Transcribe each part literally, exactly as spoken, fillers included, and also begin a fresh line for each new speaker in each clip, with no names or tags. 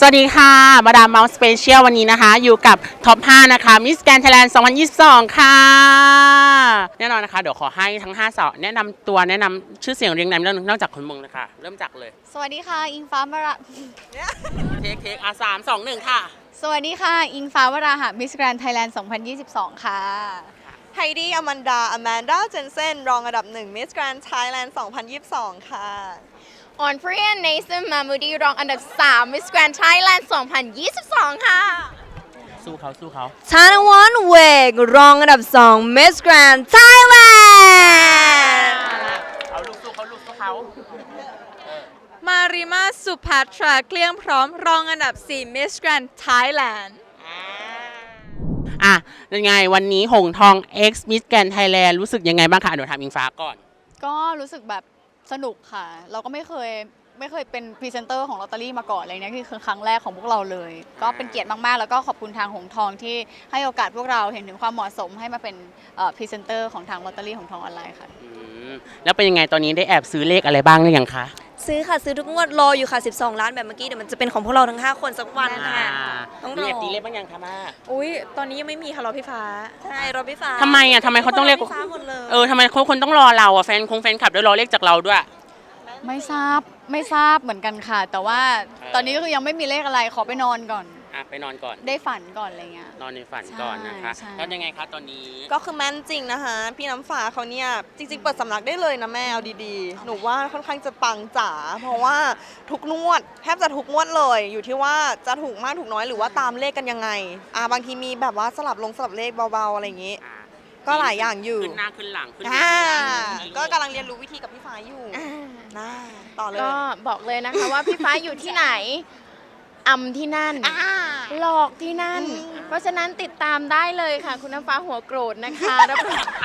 วัสดีค่ะมาดามเมาส์สเปเชียลวันนี้นะคะอยู่กับท็อปห้านะคะมิสแกรนด์ไทยแลนด์สองพันยี่สิบสองค่ะแน่นอนนะคะเดี๋ยวขอให้ทั้งห้าสาวแนะนำตัวแนะนำชื่อเสียงเรียงนามนอกจากคนมึงเลยค่ะเริ่มจากเลย
สวัสดีค่ะอิงฟ้าวรา
เทคเทคอาสามสองหนึ่งค่ะ
สวัสดีค่ะอิงฟ้าวราหะมิสแกรนด์ไทยแลนด์สองพันยี่สิบสองค่ะ
ไฮดี้อแมนดาอแมนดาเจนเซนรองอันดับหนึ่งมิสแกรนด์ไทยแลนด์สองพันยี่สิบสองค่ะ
ออนฟรีนเนซันมามูดีรองอันดับสามมิสแกรนด์ไทยแลนด์สองพันยี่สิบสองค่ะ
สู้เขาสู้เขา
ธนวัฒน์เวกรองอันดับสองมิสแกรนด์ไทยแลนด์
เอาลูกสู้เขาลูกสู้เขา
มาริมาสุภัทราเกลี้ยงพร้อมรองอันดับสี่มิสแกรนด์ไทยแลนด์
อ่ะยังไงวันนี้หงทอง X Miss Grand Thailand รู้สึกยังไงบ้างคะเดี๋ยวถามอิงฟ้าก่อน
ก็รู้สึกแบบสนุกค่ะเราก็ไม่เคยไม่เคยเป็นพรีเซนเตอร์ของลอตเตอรี่มาก่อนอะไรเนี้ยคือครั้งแรกของพวกเราเลยก็เป็นเกียรติมากๆแล้วก็ขอบคุณทางหงทองที่ให้โอกาสพวกเราเห็นถึงความเหมาะสมให้มาเป็นพรีเซนเตอร์ของทางลอตเตอรี่หงทองออนไลน์ค่ะ
แล้วเป็นยังไงตอนนี้ได้แอบซื้อเลขอะไรบ้างหรือยังคะ
ซื้อค่ะซื้อทุกงวดรออยู่ค่ะสิบสองล้านแบบเมื่อกี้เดี๋ยวมันจะเป็นของพวกเราทั้งห้าคนสักวันค่ะ
ต้องรอตีเลขบ้างยังคะมา
อุ้ยตอนนี้ยังไม่มีค่ะรอพี่ฟ้า
ใช่รอพี่ฟ้า
ทำไมอ่ะทำไมเขาต้องเรียกเออทำไมคนต้องรอเราอ่ะแฟนคงแฟนคลับด้วยรอเลขจากเราด้วย
ไม่ทราบไม่ทราบเหมือนกันค่ะแต่ว่าตอนนี้ก็คือยังไม่มีเลขอะไรขอไปนอนก่อน
อ่ะไปนอนก่อน
ได้ฝันก่อนอะไรเงี้ย
นอนในฝันก่อนนะคะแล้วยังไงคะตอนนี้
ก็คือแม่นจริงนะคะพี่น้ำฟ้าเขาเนี่ยจริงๆเปิดสำนักได้เลยนะแม่เอาดีๆหนูว่าค่อนข้างจะปังจ๋าเพราะว่าทุกงวดแทบจะทุกงวดเลยอยู่ที่ว่าจะถูกมากถูกน้อยหรือว่าตามเลขกันยังไงอ่าบางทีมีแบบว่าสลับลงสลับเลขเบาๆอะไรอย่างงี้ก็หลายอย่างอยู่
ขึ้นหน้าขึ้นหลังขึ้น
ก็กำลังเรียนรู้วิธีกับพี่ฟ้าอยู่นะต่อเลย
ก็บอกเลยนะคะว่าพี่ฟ้าอยู่ที่ไหนอำที่นั่นหลอกที่นั่นเพราะฉะนั้นติดตามได้เลยค่ะคุณน้ำฟ้าหัวโกรธนะคะรับรอง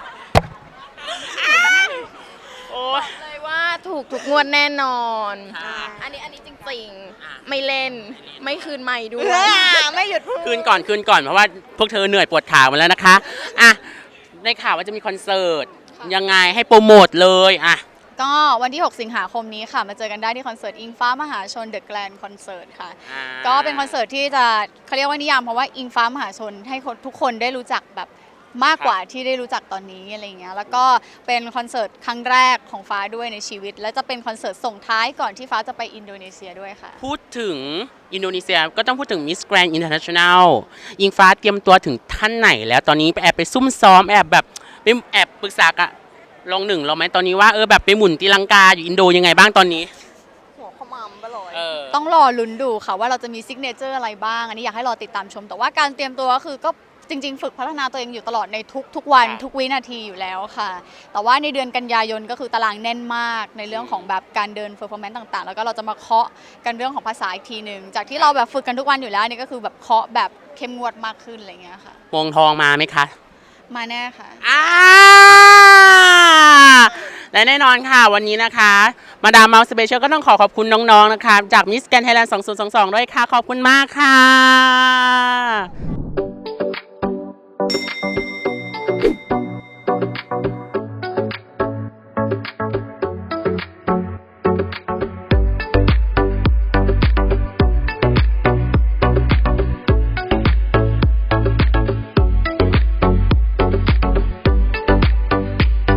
บอกเลยว่าถูกทุกงวดแน่นอนอันนี้อันนี้จริงๆไม่เล่นไม่คืนใหม่ด้วย
ไม่หยุด
คืนก่อนคืนก่อนเพราะว่าพวกเธอเหนื่อยปวดขามาแล้วนะคะอ่ะได้ข่าวว่าจะมีคอนเสิร์ตยังไงให้โปรโมทเลยอ่ะ
ก็วันที่หกสิงหาคมนี้ค่ะมาเจอกันได้ที่คอนเสิร์ตอิงฟ้ามหาชนเดอะแกรนด์คอนเสิร์ตค่ะก็เป็นคอนเสิร์ตที่จะเขาเรียกว่านิยามเพราะว่าอิงฟ้ามหาชนให้ทุกคนได้รู้จักแบบมากกว่าที่ได้รู้จักตอนนี้อะไรเงี้ยแล้วก็เป็นคอนเสิร์ตครั้งแรกของฟ้าด้วยในชีวิตและจะเป็นคอนเสิร์ตส่งท้ายก่อนที่ฟ้าจะไปอินโดนีเซียด้วยค่ะ
พูดถึงอินโดนีเซียก็ต้องพูดถึง Miss Grand International อิงฟ้าเตรียมตัวถึงท่านไหนแล้วตอนนี้ไปแอบไปซุ่มซ้อมแอบแบบไปแอบปรึกษากับลองหนึ่งเราไหมตอนนี้ว่าเออแบบไปหมุนตีลังกาอยู่อินโดยังไงบ้างตอนนี้
หัวขมำไปเลย
ต้องรอลุ้นดูค่ะว่าเราจะมีซิกเนเจอร์อะไรบ้างอันนี้อยากให้รอติดตามชมแต่ว่าการเตรียมตัวก็คือก็จริงๆฝึกพัฒนาตัวเองอยู่ตลอดในทุกทุกวันทุกวินาทีอยู่แล้วค่ะแต่ว่าในเดือนกันยายนก็คือตารางแน่นมากในเรื่องของแบบการเดินเฟอร์ฟอร์แมนซ์ต่างๆแล้วก็เราจะมาเคาะกันเรื่องของภาษาอีกทีหนึ่งจากที่เราแบบฝึกกันทุกวันอยู่แล้วนี่ก็คือแบบเคาะแบบเข้มงวดมากขึ้นอะไรเงี้ยค่ะ
วงทองมาไหมคะ
มาแน่ค่ะ
อ่าและแน่นอนค่ะวันนี้นะคะมาดามเมาส์สเปเชียลก็ต้องขอขอบคุณน้องๆนะคะจากมิสแกรนด์ไทยแลนด์สองพันยี่สิบสองด้วยค่ะขอบคุณมากค่ะ